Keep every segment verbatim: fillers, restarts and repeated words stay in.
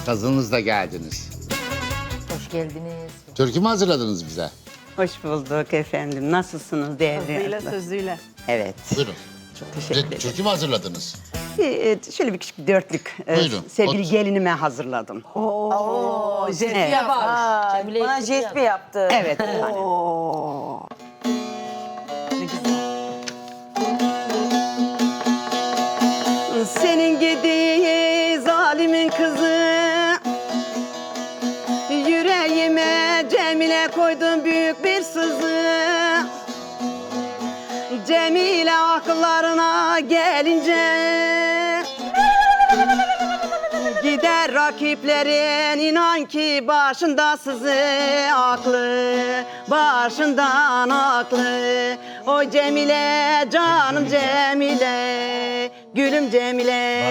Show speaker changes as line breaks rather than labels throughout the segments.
Kazınızla geldiniz.
Hoş geldiniz.
Türkü mü hazırladınız bize?
Hoş bulduk efendim. Nasılsınız değerli?
Sözüyle
abla?
sözüyle.
Evet.
Buyurun.
Çok teşekkür
Bize
ederim.
türkü mü hazırladınız?
Bir, e, şöyle bir küçük bir dörtlük e,
Buyurun.
sevgili
Ot-
gelinime hazırladım.
Oo, jet
Evet.
yapar.
Cemile
Bana
yaptı
jet
ya.
mi yaptı?
Evet. efendim.
Oo.
Senin gidi zalimin kızı, yüreğime Cemile koydun büyük bir sızı. Cemile akıllarına gelince gider rakiplerin, inan ki başında sızı, aklı başından aklı. O Cemile, canım Cemile, gülüm Cemile.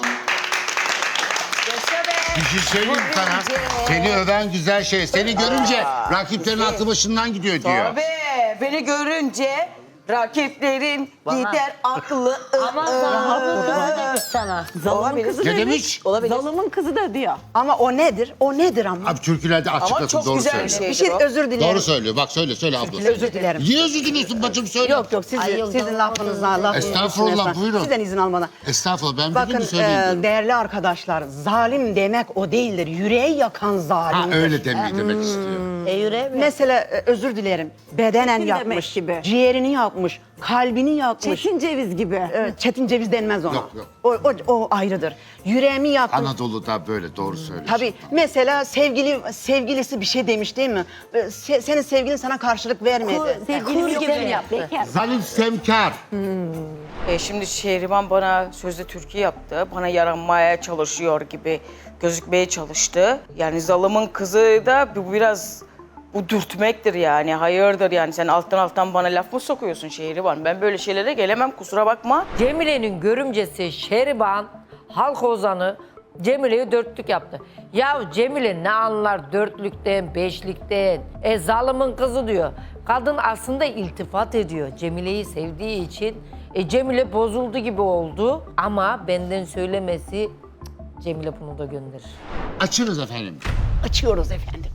Bir şey söyleyeyim mi sana? Seni öven güzel şey. Seni görünce rakiplerin aklı başından gidiyor diyor.
Tabii. Beni görünce rakiplerin gider aklı.
Ama zalımın kızı demiş sana.
Zalımın kızı
Ne demiş?
Olabilir. Zalımın kızı da diyor.
Ama o nedir? O nedir ama?
Abi türkülerde açıklasın,
çok
doğru
güzel
söylüyor.
bir şey.
Bir şey özür dilerim.
Doğru söylüyor. Bak söyle, söyle abla.
Özür dilerim.
Niye özür diliyorsun bacım, söyle.
Yok yok sizin,
Ay, yok,
sizin
yok.
lafınızdan lafınızdan.
Estağfurullah,
üstüne-
buyurun.
Sizden izin almadan.
Estağfurullah, ben
Bakın
bildiğimi söyleyeyim.
e,
diyorum.
değerli arkadaşlar, zalim demek o değildir. Yüreği yakan
Ha
zalimdir.
öyle demeyi demek istiyor.
E yüreğe mi?
Mesela e, özür dilerim. Bedenen
Çetin
yakmış,
demek gibi.
ciğerini yakmış, kalbini yakmış.
Çetin ceviz gibi.
Evet, çetin ceviz denmez ona.
Yok, yok.
O, o, o ayrıdır. Yüreğimi yakmış.
Anadolu'da böyle, doğru söylüyorsun.
Tabii mesela sevgili sevgilisi bir şey demiş değil mi? E, se- senin sevgilin sana karşılık vermedi.
Sevgili
Kur
gibi
gibi
yaptı.
yaptı.
Zalim Semkar.
E şimdi Şehriban bana sözde türkü yaptı. Bana yaranmaya çalışıyor gibi gözükmeye çalıştı. Yani zalımın kızı da bu biraz bu dürtmektir yani. Hayırdır yani, sen alttan alttan bana laf mı sokuyorsun Şehriban? Ben böyle şeylere gelemem, kusura bakma.
Cemile'nin görümcesi Şehriban, halk ozanı Cemile'yi dörtlük yaptı. Ya Cemile ne anlar dörtlükten, beşlikten? E zalimin kızı diyor. Kadın aslında iltifat ediyor Cemile'yi sevdiği için. E Cemile bozuldu gibi oldu ama benden söylemesi cık, Cemile bunu da gönderir.
Açınız efendim.
Açıyoruz efendim.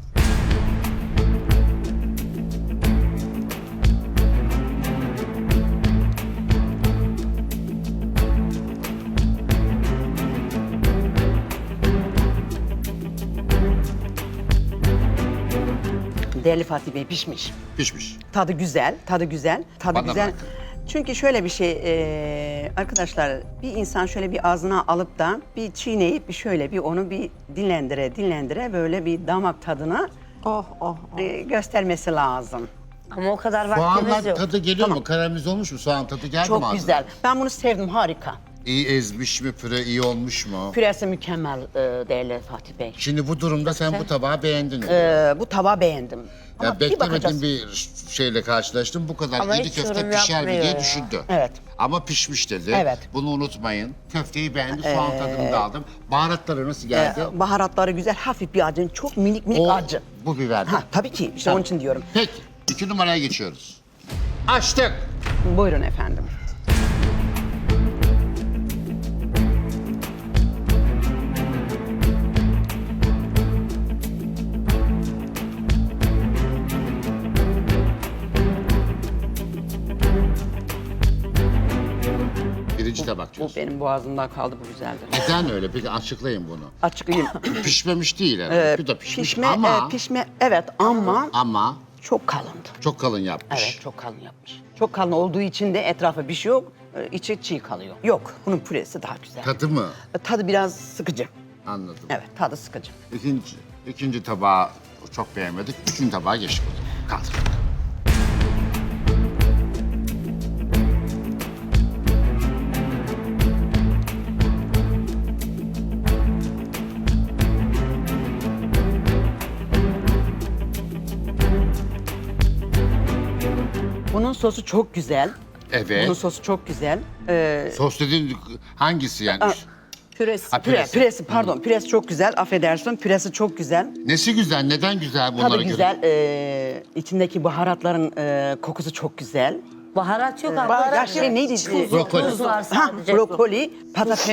Değerli Fatih Bey, pişmiş.
Pişmiş.
Tadı güzel, tadı güzel, tadı
Bana
güzel.
bırakın.
Çünkü şöyle bir şey e, arkadaşlar, bir insan şöyle bir ağzına alıp da bir çiğneyip bir şöyle bir onu bir dinlendire dinlendire böyle bir damak tadına
Oh oh.
e, göstermesi lazım.
Ama o kadar vaktimiz
Soğanla
yok.
tadı geliyor mu? Karamelize olmuş mu? Soğan tadı geldi mi
Çok
ağzına?
güzel. Ben bunu sevdim, harika.
İyi ezmiş mi püre, iyi olmuş mu?
Püresi mükemmel e, değerli Fatih Bey.
Şimdi bu durumda sen bu tabağı beğendin.
E, bu tabağı beğendim. Ama
Ya
bir
beklemediğim
bakacağız.
bir şeyle karşılaştım. Bu kadar
Ama
iri
hiç
köfte
yorum
pişer mi
yapmıyor
diye
ya.
düşündü.
Evet.
Ama pişmiş dedi.
Evet.
Bunu unutmayın. Köfteyi beğendi, soğan tadını da aldım. Baharatları nasıl geldi?
E, baharatları güzel, hafif bir acı, çok minik minik
o
acı.
bu biberdi.
Ha, tabii ki, işte onun için diyorum.
Peki, iki numaraya geçiyoruz. Açtık.
Buyurun efendim.
Birinci tabak
Bu
diyorsun.
benim boğazımda kaldı, bu güzeldi.
Neden öyle? Peki açıklayın bunu.
Açıklayayım.
Pişmemiş değil herhalde. Bu da pişmiş
pişme,
ama
e, pişme, evet ama
ama
çok kalındı.
çok kalın yapmış.
Evet, çok kalın yapmış. Çok kalın olduğu için de etrafa bir şey yok, e, içi çiğ kalıyor. Yok, bunun püresi daha güzel.
Tadı mı?
E, Tadı biraz sıkıcı.
Anladım.
Evet, tadı sıkıcı.
İkinci, ikinci tabağı çok beğenmedik. Üçüncü tabağa geçtik o zaman. Kaldır.
Bunun sosu çok güzel.
Evet.
Bunun sosu çok güzel. Ee,
Sos dediğin hangisi yani?
Aa,
Püresi.
Ha,
püre,
püresi.
püresi, pardon, püresi çok güzel. Affedersin, püresi çok güzel.
Nesi güzel? Neden güzel bunlara
Tadı
göre?
güzel. Ee, içindeki baharatların e, kokusu çok güzel.
Baharat yok ama.
Ya şey neydi?
Brokoli.
Tuz var
Ha,
sadece.
brokoli, patates,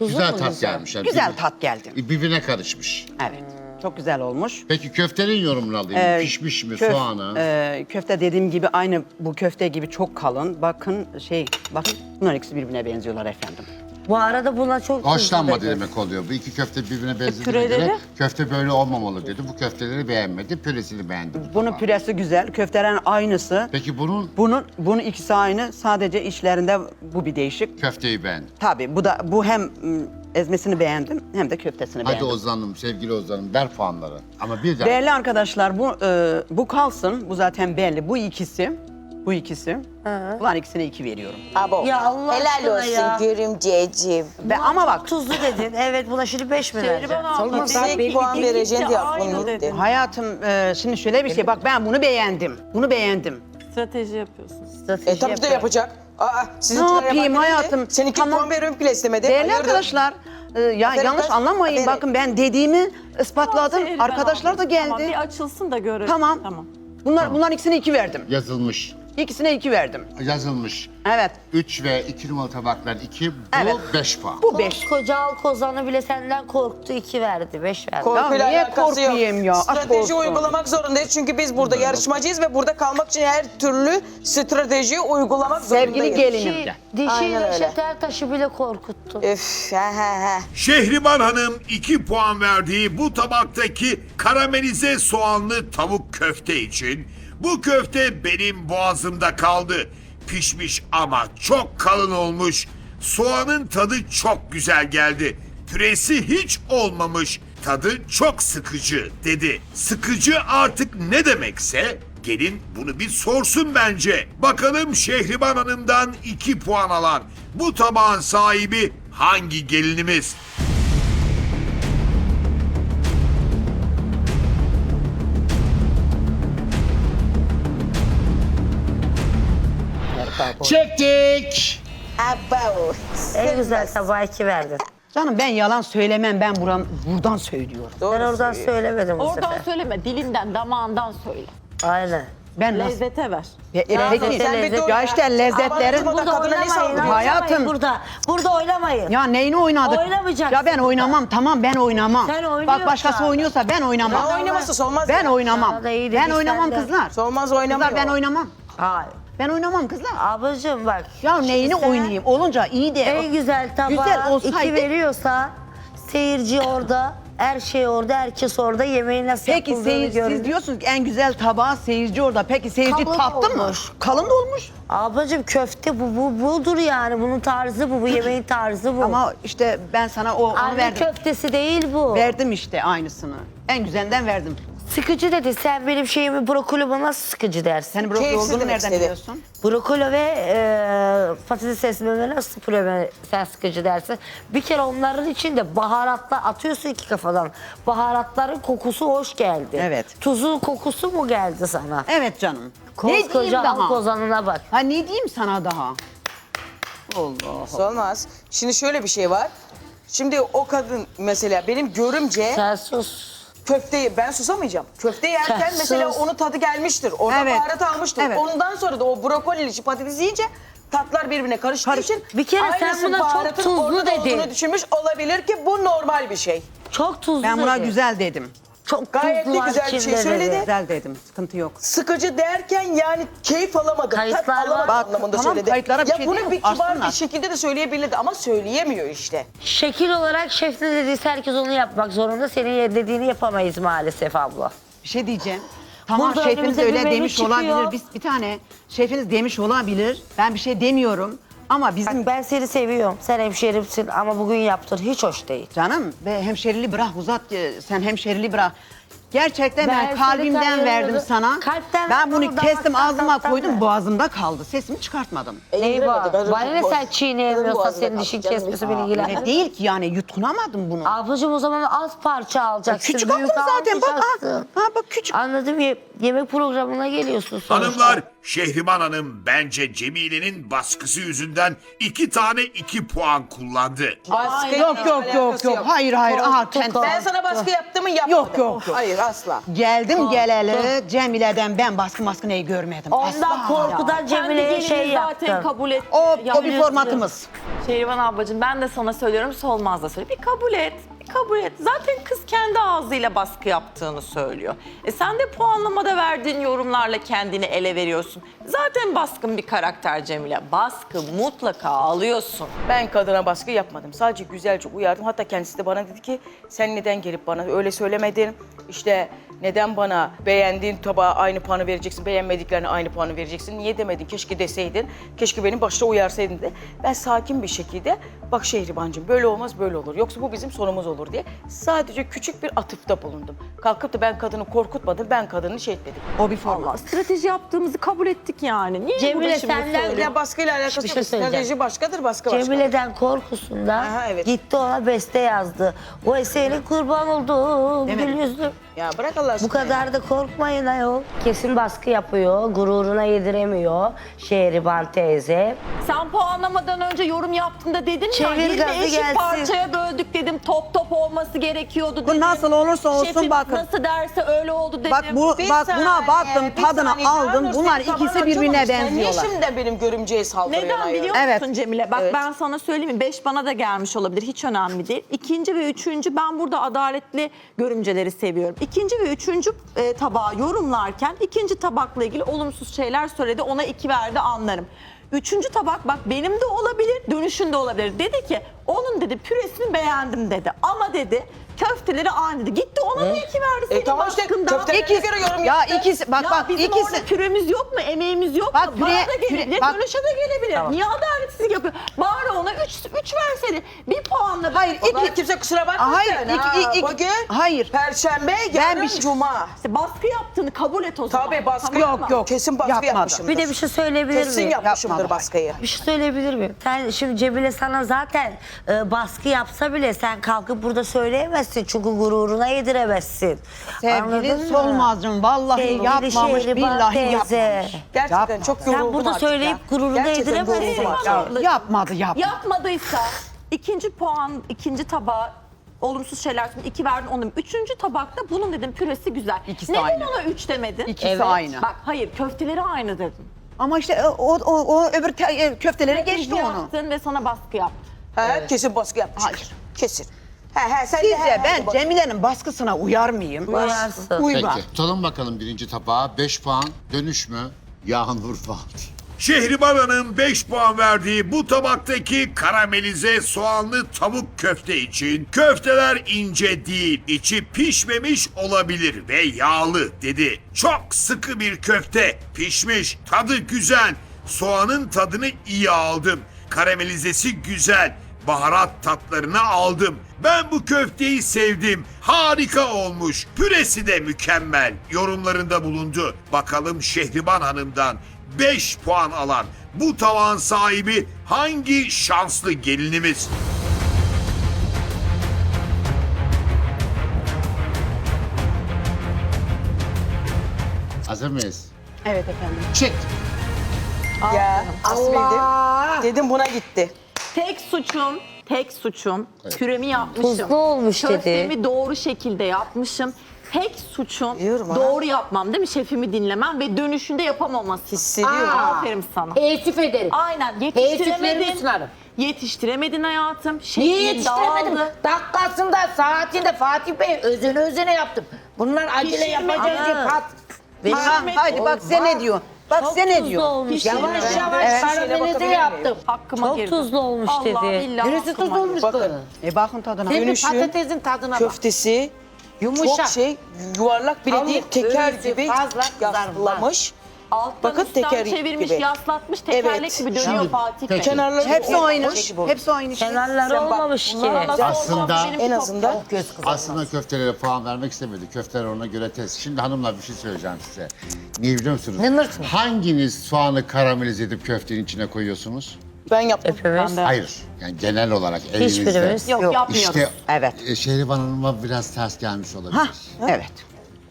Tuzu
güzel
mu
tat
güzel?
gelmiş. Yani
Güzel
birbir-
tat geldi.
Birbirine karışmış.
Evet. Çok güzel olmuş.
Peki köftenin yorumunu alayım.
Ee,
Pişmiş mi
köf-
soğanı?
e, köfte dediğim gibi aynı bu köfte gibi çok kalın. Bakın şey, bakın bunlar ikisi birbirine benziyorlar efendim.
Bu arada buna çok tuzlu
Hoşlanmadı
dedi.
demek oluyor. Bu iki köfte birbirine benzediğine
püreleri?
göre köfte böyle olmamalı dedi. Bu köfteleri beğenmedi, püresini beğendi.
Bunun püresi güzel, köftelerin aynısı.
Peki bunun
Bunun bunun ikisi aynı. Sadece içlerinde bu bir değişik.
köfteyi beğendi.
Tabii bu da bu hem m, ezmesini beğendim hem de köftesini
Hadi
beğendim.
Ozan'ım, sevgili Ozan'ım ver puanları. Ama bir daha.
Değerli arkadaşlar bu e, bu kalsın. Bu zaten belli. Bu ikisi. Bu ikisi. Bunlar ikisine iki veriyorum.
Abo.
Ya Allah
Helal
aşkına
olsun
ya.
görümceciğim.
Ve ama bak
Tuzlu dedin. Evet buna şimdi beş mi vereceksin?
Şehriban abla,
Olmaz.
Yüksek
belki
puan
ikisi
vereceksin diye
aynı
aklım
dedi.
gitti.
hayatım e, şimdi şöyle bir şey. Bak ben bunu beğendim. Bunu beğendim.
Strateji yapıyorsun.
Strateji
E tabii ki de
yapıyor.
yapacak. Aa, sizinkiler
Ne yapayım
yaparken neydi?
hayatım?
Sen iki
Tamam.
puan veriyorum bile istemedi.
Değerli
Hayırdır?
arkadaşlar e, ya
Aferin
yanlış
kız,
anlamayın.
aferin.
Bakın ben dediğimi ispatladım.
Şehriban
Arkadaşlar da
abla,
geldi.
Tamam, bir açılsın da görelim.
Tamam.
Tamam.
Bunlar bunların ikisine iki verdim.
Yazılmış.
İkisine iki verdim.
Yazılmış.
Evet.
üç ve iki numaralı tabaklar iki, bu
Evet.
beş puan.
Bu beş.
Koca Alkozan'ı bile senden korktu. iki verdi. Beş verdi.
Korkuyla
Ya niye
alakası yok.
korkayım ya? Aşk
Strateji
olsun.
uygulamak zorundayız çünkü biz burada yarışmacıyız ve burada kalmak için her türlü stratejiyi uygulamak
Sevgili
zorundayız.
gelinim
Dişi,
de.
dişi
Aynen öyle.
Neşet Ertaş'ı bile korkuttu.
Üf, he he he.
Şehriban Hanım iki puan verdiği bu tabaktaki karamelize soğanlı tavuk köfte için bu köfte benim boğazımda kaldı. Pişmiş ama çok kalın olmuş. Soğanın tadı çok güzel geldi. Püresi hiç olmamış. Tadı çok sıkıcı dedi. Sıkıcı artık ne demekse gelin bunu bir sorsun bence. Bakalım Şehriban Hanım'dan iki puan alan bu tabağın sahibi hangi gelinimiz?
Çektik.
Abo.
En güzel tabağı iki verdin.
Canım ben yalan söylemem. Ben buran, buradan söylüyorum.
Doğru
Ben oradan
söylüyor.
söylemedim bu
Oradan
sefer.
söyleme, dilinden, damağından söyle.
Aynen.
Ben nasıl?
Lezzete ver.
E, e,
Ya
peki.
sen bir dur
ya
ya.
işte lezzetlerin.
Abartma.
Burada
kadına ne
oynamayın.
saldırıyorsun?
oynamayın
Hayatım.
Burada. Burada oynamayın.
Ya neyini oynadık?
Oynamayacaksın
Ya ben oynamam. Tamam ben oynamam.
Sen
Bak
oynuyorsan.
başkası oynuyorsa ben oynamam.
Ne oynaması solmaz
Ben
ya.
oynamam.
Sana da iyi
Ben
dedik
oynamam
sen de.
kızlar.
Solmaz oynamıyor.
Kızlar ben oynamam.
Hayır.
Ben oynamam kızlar.
Ablacığım bak.
Ya neyini
sen
oynayayım? Olunca iyi de.
En güzel tabağa
Güzel olsaydı-
iki veriyorsa seyirci orada, her şey orada, herkes orada yemeğin nasıl
Peki
yapıldığını
seyirci,
görün.
siz diyorsunuz ki en güzel tabağı seyirci orada. Peki seyirci
Kalın
tattı mı?
olmuş.
Kalın da olmuş.
Ablacığım köfte bu, bu budur yani. Bunun tarzı bu, bu yemeğin tarzı bu.
Ama işte ben sana o onu
Anne
verdim.
köftesi değil bu.
Verdim işte aynısını. En güzelinden verdim.
Sıkıcı dedi. Sen benim şeyimi brokolime nasıl sıkıcı dersin?
Senin brokoli
Keyifsiz
olduğunu
demek
nereden
istedi.
biliyorsun?
Brokoli ve e, patates esmeme nasıl püreme sen sıkıcı dersin. Bir kere onların içinde baharatlar atıyorsun iki kafadan. Baharatların kokusu hoş geldi.
Evet.
Tuzun kokusu mu geldi sana?
Evet canım. Ne diyeyim
Koskoca
daha?
halk ozanına bak.
Ha ne diyeyim sana daha? Allah.
Olmaz. Şimdi şöyle bir şey var. Şimdi o kadın mesela benim görümce
Sen sus.
köfteyi ben susamayacağım. Köfte yerken
Sen
mesela
sus.
onun tadı gelmiştir. Orada
Evet.
baharat almıştır.
Evet.
Ondan sonra da o brokoli patatesi yiyince tatlar birbirine karıştığı
Karış-
için
Bir kere sen
aynısı
buna çok
baharatın
tuzlu
orada
dedin.
olduğunu düşünmüş olabilir ki bu normal bir şey.
Çok tuzlu
Ben buna
dedi.
güzel dedim.
Çok
Gayet
tuzlu
de
var
güzel bir şey
içinde
söyledi.
dedi.
Güzel dedim. Sıkıntı yok.
Sıkıcı derken yani keyif alamadım. tat
Kayıtlar var.
alamadım
Bak,
anlamında
tamam,
söyledi.
kayıtlara bir
ya
şey
bunu
diyemem,
bir kibar
açsınlar.
bir şekilde de söyleyebilirdi ama söyleyemiyor işte.
Şekil olarak şef ne dediyse herkes onu yapmak zorunda. Senin dediğini yapamayız maalesef abla.
Bir şey diyeceğim. Tamam
Burada
şefiniz
önümüze bir
öyle
menü
demiş
çıkıyor.
olabilir. Biz bir tane şefiniz demiş olabilir. Ben bir şey demiyorum. Ama bizim
Bak ben seni seviyorum. Sen hemşerimsin ama bugün yaptın hiç hoş değil.
canım ve hemşerili bırak uzat. e, Sen hemşerili bırak. Gerçekten ben,
Ben seni
kalbimden
tanıyorum.
verdim sana.
Kalpten
ben bunu
verdim,
kestim
damaktan,
ağzıma
tattan
koydum
ver.
boğazımda kaldı. Sesimi çıkartmadım.
Neyi var?
Eğlenemedik,
Bana ne
boş.
sen çiğneyemiyorsan
Boğazında
senin dişin
kaldı, canım.
kesmesi beni
Öyle
ilgilenmez.
değil ki yani yutkunamadım bunu.
Ablacığım o zaman az parça alacaksın.
Küçük aldım
büyük
zaten bak. Ha,
almayacaksın.
ha bak küçük.
Anladım ya.
yemek programına geliyorsun sonuçta.
Hanımlar, Şehriban Hanım bence Cemile'nin baskısı yüzünden iki tane iki puan kullandı.
Baskı
Yok yok yok yok. Hayır hayır. Aha, sen,
Ben sana baskı yaptım mı yapmadım.
Yok yok yok.
Hayır asla.
Geldim geleli Cemile'den ben baskı maskı neyi görmedim.
Ondan
Asla.
korkudan Cemile'ye
Kendi
şey
gelini zaten
yaptım.
kabul et.
O,
Ya
o bir formatımız.
Şehriban ablacığım ben de sana söylüyorum, Solmaz da söylüyor. Bir kabul et, bir kabul et. Zaten kız kendi ağzıyla baskı yaptığını söylüyor. E sen de puanlamada verdiğin yorumlarla kendini ele veriyorsun. Zaten baskın bir karakter Cemile. Baskı mutlaka alıyorsun.
Ben kadına baskı yapmadım. Sadece güzelce uyardım. Hatta kendisi de bana dedi ki sen neden gelip bana öyle söylemedin? İşte neden bana beğendiğin tabağa aynı puanı vereceksin, beğenmediklerine aynı puanı vereceksin? Niye demedin? Keşke deseydin. Keşke beni başta uyarsaydın de. Ben sakin bir şekilde bak Şehribancığım böyle olmaz böyle olur. Yoksa bu bizim sonumuz olur diye sadece küçük bir atıfta bulundum. Kalkıp da ben kadını korkutmadım. Ben kadını şey etmedim.
O bir format.
Allah strateji yaptığımızı kabul ettik yani. Niye
Cemile,
burada şimdi
senden
söylüyorsun?
Ya baskıyla alakası
Bir
yok.
şey söyleyeceğim.
Strateji başkadır, baskı başkadır.
Cemile'den korkusundan
Aha, evet.
gitti ona beste yazdı. O eseri kurban oldum
Değil mi?
gül yüzlüm.
Ya bırak Allah aşkına.
Bu kadar da korkmayın ayol. Kesin baskı yapıyor, gururuna yediremiyor Şehriban teyze.
Sen puanlamadan önce yorum yaptığında dedin ya,
Çevir
yirmi
gazı
eşit
gelsin.
parçaya böldük dedim, top top olması gerekiyordu dedim.
Bu nasıl olursa olsun
Şefim
bakın.
nasıl derse öyle oldu dedim.
Bak bu
Bir
bak
saniye,
buna baktım,
bir
tadını
saniye.
aldım.
Yalnız
Bunlar
senin
ikisi
tabanın
birbirine
açılmamış. Sen
benziyorlar.
niye şimdi benim görümceye saldırıyorsun?
Neden
ayol?
biliyor
Evet.
musun Cemile? Bak
Evet.
ben sana söyleyeyim mi? Beş bana da gelmiş olabilir. Hiç önemli değil. İkinci ve üçüncü ben burada adaletli görümceleri seviyorum. İkinci ve üçüncü e, tabağı yorumlarken ikinci tabakla ilgili olumsuz şeyler söyledi. Ona iki verdi anlarım. Üçüncü tabak bak benim de olabilir, dönüşünde olabilir. Dedi ki onun dedi püresini beğendim dedi. Ama dedi köfteleri aynı dedi. Gitti ona da iki verdi. Senin
E tamam işte
baskından.
köftelerine
İkisi,
göre yorum
ya
yaptı.
ikisi bak
Ya
bak
bizim
ikisi.
orada püremiz yok mu, emeğimiz yok
Bak
mu? Bana
püre-
da gelebilir,
püre- bak-
dönüşe de gelebilir. Niye adaletsizlik yapıyor? Bari ona üç, üç versene. Bir puanla.
Hayır,
Vallahi
iki-
kimse kusura bakmasın.
Hayır, iki-
ha.
iki-
Bugün
hayır.
Perşembe,
Ben
yarın
bir şey-
Cuma.
İşte baskı yaptığını kabul et o zaman.
Tabii baskı
Tamam mı?
Yok, yok.
Kesin baskı
Yapmadı.
yapmışımdır.
Bir de bir şey söyleyebilir
Kesin
miyim?
yapmışımdır
Yapmadı.
baskıyı.
Bir şey söyleyebilir miyim? Sen şimdi Cemile sana zaten e, baskı yapsa bile sen kalkıp burada söyleyemezsin. Çünkü gururuna yediremezsin.
Sevgili
Anladın mı?
Solmaz'cığım vallahi
Sevgili
yapmamış,
Şehriban
billahi
teyze.
yapmamış.
Gerçekten
Yapmadı.
çok
Sen
yoruldum
burada
artık
söyleyip
ya.
gururuna
Gerçekten
yediremezsin.
yoruldum artık.
Ya,
Yapmadı.
yapmadı yapmadı.
Yapmadıysa ikinci puan, ikinci tabağa olumsuz şeyler söyledi. iki verdin onu. Üçüncü tabakta bunun dedim püresi güzel.
İkisi
Neden
aynı.
ona üç demedin?
İkisi aynı.
Bak hayır köfteleri aynı dedim.
Ama işte o, o, o öbür te- e, köfteleri geçti onu.
Yaptın ve sana baskı yaptı.
He, kesin baskı yapmış.
Hayır.
Kesin. He he sen de he,
Sizce
he,
ben
bak.
Cemile'nin baskısına uyar mıyım?
Uyarsın.
Uymam.
Peki tutalım bakalım birinci tabağa. Beş puan dönüş mü? Yağmur falan.
Şehriban Hanım beş puan verdiği bu tabaktaki karamelize soğanlı tavuk köfte için köfteler ince değil, içi pişmemiş olabilir ve yağlı dedi. Çok sıkı bir köfte, pişmiş, tadı güzel, soğanın tadını iyi aldım. Karamelizesi güzel, baharat tatlarını aldım. Ben bu köfteyi sevdim. Harika olmuş. Püresi de mükemmel. Yorumlarında bulundu. Bakalım Şehriban Hanım'dan beş puan alan bu tavan sahibi hangi şanslı gelinimiz?
Hazır mıyız?
Evet efendim.
Çek.
Ya Allah. Dedim. Dedim buna gitti.
Tek suçum, tek suçum püremi yapmışım.
Tuzlu olmuş dedi.
Köftemi doğru şekilde yapmışım. Tek suçum
Biliyorum ha.
doğru yapmam değil mi? Şefimi dinlemem ve dönüşünde yapamaması.
Hissediyorum.
Aferin sana.
Teessüf ederim.
Aynen
Teessüflerimi
yetiştiremedin.
sunarım.
Yetiştiremedin hayatım.
Niye
Şeklin
yetiştiremedim?
dağıldı.
Dakikasında, saatinde Fatih Bey özene özene yaptım. Bunlar acele
Pişirmedi.
yapacağız diye
Ana.
pat.
Ha, haydi bak sen ne diyorsun? Bak sen ne
Tuzlu
diyorsun?
olmuş
Yavaş
dedi.
yavaş
Evet.
karamelize yaptım.
Hakkıma
Çok
girdi.
tuzlu olmuş
Allah
dedi.
billahi
Neresi
hakkıma
tuz olmuş
girdi.
Bakın.
bu?
E bakın tadına.
Sen bir
Dönüşü,
patatesin tadına bak.
Köftesi
Yumuşak.
çok şey yuvarlak bile
Tavuk
değil teker
göğsü
gibi
fazla
yaslamış.
Alttan
Bakın
üstten
teker
çevirmiş,
gibi.
yaslatmış, tekerlek
Evet.
gibi dönüyor
Şimdi,
Fatih Bey.
peki.
Kenarları
Hepsi
o-
aynı.
o şekil olmuş.
Hepsi aynı işte.
Kenarları
Sen bak,
olmamış ki.
Bunlar nasıl
Aslında-
olmaz? Benimki
En
çok
azından
çok.
Göz kızartması.
Aslında köftelere puan vermek istemedi. Köfteler ona göre test. Şimdi hanımlar bir şey söyleyeceğim size. Niye biliyor musunuz?
Nınırsın.
Hanginiz soğanı karamelize edip köftenin içine koyuyorsunuz?
Ben yaptım.
Hepimiz.
Hayır. Yani genel olarak elinizde.
Hiçbirimiz.
Yok, yapmıyoruz.
İşte
Evet.
e, Şehriban Hanım'a biraz ters gelmiş olabilir.
Ha, evet.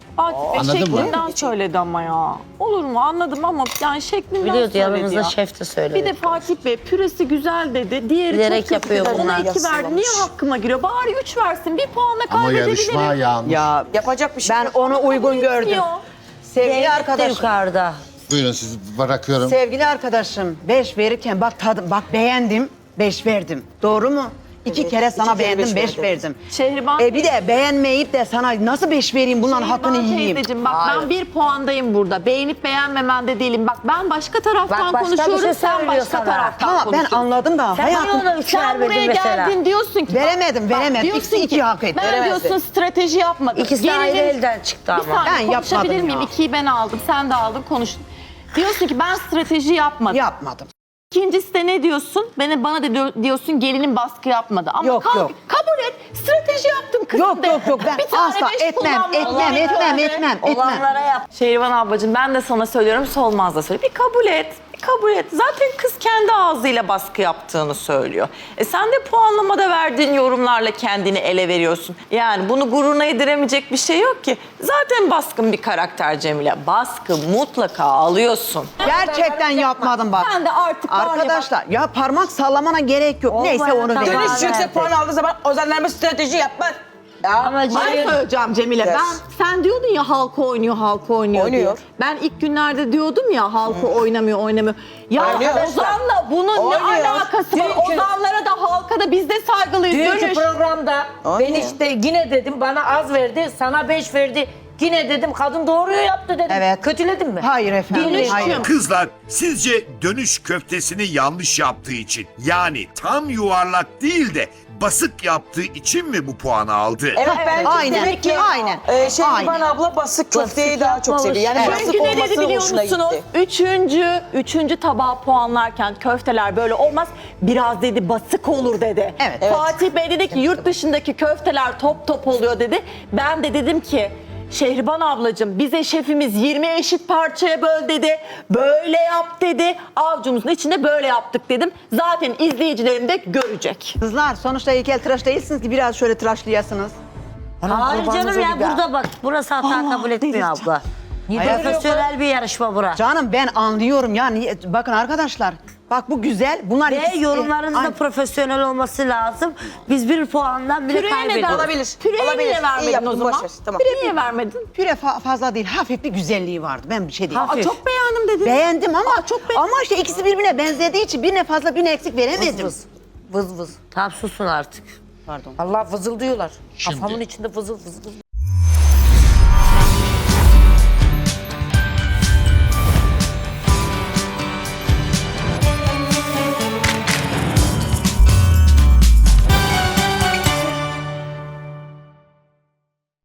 Fatih Bey
Anladın mı?
şeklinden söyledi ama ya. Olur mu? Anladım ama yani şeklinden
Biliyordu
söyledi
yanımızda
ya.
şef de söyledi.
Bir de Fatih Bey püresi güzel dedi. Diğeri
Bilerek
çok kötü
yapıyor
dedi. Ona
bunlar.
iki verdi. Niye hakkıma giriyor? Bari üç versin. Bir puanla
Ama
kaybedebilirim.
yarışma yanlış.
Ya
Yapacak bir şey
ben
yok.
onu uygun gördüm.
Etmiyor.
Sevgili
Zeynep de
arkadaşım.
yukarıda.
Buyurun sizi bırakıyorum.
Sevgili arkadaşım, beş verirken bak tadım, bak beğendim, beş verdim. Doğru mu? İki
Evet,
kere sana
iki kere
beğendim,
beş
beş
verdin.
verdim.
Şehriban
E bir de beğenmeyip de sana nasıl beş vereyim, bunların hakkını
Şehriban
yiyeyim.
teyzeciğim, bak ben bir puandayım burada. Beğenip beğenmemende değilim. Bak ben başka taraftan
Bak, başka bir
konuşuyorum,
şey
sen
söylüyor
başka
sana.
taraftan
Tamam ben
konuşuyorsun.
anladım da
Sen bana
hayatım.
ona üç
Sen
vermedin
buraya
mesela.
geldin diyorsun ki...
Veremedim,
bak,
veremedim.
diyorsun
İkisi iki
ki,
hak etti.
Ben
Veremezdi.
diyorsun strateji yapmadım.
İkisi de ayrı
Gerinin-
elden çıktı
Bir
ama.
saniye
Ben
konuşabilir
yapmadım
miyim?
ya.
İkiyi ben aldım, sen de aldın, konuştun. Diyorsun ki ben strateji yapmadım.
Yapmadım.
İkincisi de ne diyorsun? Bana, bana da diyor- diyorsun gelinin baskı yapmadı. Ama
Yok,
kalk-
yok.
kabul et. Strateji yaptım kızım
Yok
de.
yok yok ben
Bir tane
asla
beş
etmem,
kullanmadım.
etmem,
Bir
etmem,
tane.
etmem, etmem.
Olanlara yap.
Şehriban ablacığım ben de sana söylüyorum, Solmaz da söylüyor. Bir kabul et. Bir kabul et. Zaten kız kendi ağzıyla baskı yaptığını söylüyor. E sen de puanlamada verdiğin yorumlarla kendini ele veriyorsun. Yani bunu gururuna yediremeyecek bir şey yok ki. Zaten baskın bir karakter Cemile. Baskı mutlaka alıyorsun.
Gerçekten yapmadım bak.
Sen de artık var ya bak-
Arkadaşlar ya parmak sallamana gerek yok.
Olmayan
Neyse onu
tamam.
verin.
Dönüş yüksek puan aldığı zaman Ozanlarıma strateji yapmaz. Ya,
Ama
Ben
Cemil-
söyleyeceğim Cemile.
Yes.
Ben sen diyordun ya halka oynuyor, halka oynuyor,
Oynuyor.
diye. Ben ilk günlerde diyordum ya halka oynamıyor, oynamıyor. Ya
Oynuyor.
Ozan'la bunun
Oynuyor.
ne alakası var?
Dünkü-
Ozanlara da halka da biz de saygılıyız.
Dünkü
Dönüş.
programda ben
Aynen.
işte yine dedim bana az verdi, sana beş verdi. Yine dedim kadın doğruyu yaptı dedim.
Evet.
Kötüledim mi?
Hayır efendim.
Dönüşüm.
Hayır.
Kızlar sizce dönüş köftesini yanlış yaptığı için yani tam yuvarlak değil de basık yaptığı için mi bu puanı aldı?
Evet bence
Aynen,
demek ki
aynen,
e, Şehriban
aynen.
abla basık köfteyi
Basık
daha çok seviyor. Yani
yapmamış.
basık
Çünkü ne dedi
olması
biliyor
hoşuna
musunuz?
gitti.
Üçüncü, üçüncü tabağı puanlarken köfteler böyle olmaz. Biraz dedi basık olur dedi.
Evet. Evet.
Fatih Bey dedi ki yurt dışındaki köfteler top top oluyor dedi. Ben de dedim ki Şehriban ablacığım bize şefimiz yirmi eşit parçaya böl dedi. Böyle yap dedi. Avcumuzun içinde böyle yaptık dedim. Zaten izleyicilerim de görecek.
Kızlar sonuçta heykel tıraş değilsiniz ki biraz şöyle tıraşlayasınız.
Hayır canım ya burada bak. Burası hata
Allah,
kabul etmiyor
delireceğim.
abla. Profesyonel bir yarışma bura.
Canım ben anlıyorum yani bakın arkadaşlar. Bak bu güzel. Bunlar
Ve
ikisi-
yorumların da
Ay,
profesyonel olması lazım. Biz bir puandan bile
Püreye neden?
kaybediyoruz.
Olabilir.
Püreye
Olabilir.
niye
İyi
vermedin
yaptın,
o zaman?
boş ver, tamam.
Niye vermedin?
püre fa- fazla değil. Hafif bir güzelliği vardı. Ben bir şey diyeyim.
Hafif.
Aa, çok beğendim dedin.
Beğendim ama
Aa, çok beğendim.
ama işte ikisi birbirine benzediği için birine fazla birine eksik veremedim.
Vız vız. Vız vız.
Tamam susun artık.
Pardon.
Allah vızıldıyorlar.
Şimdi-
Kafamın içinde vızıl vızıl.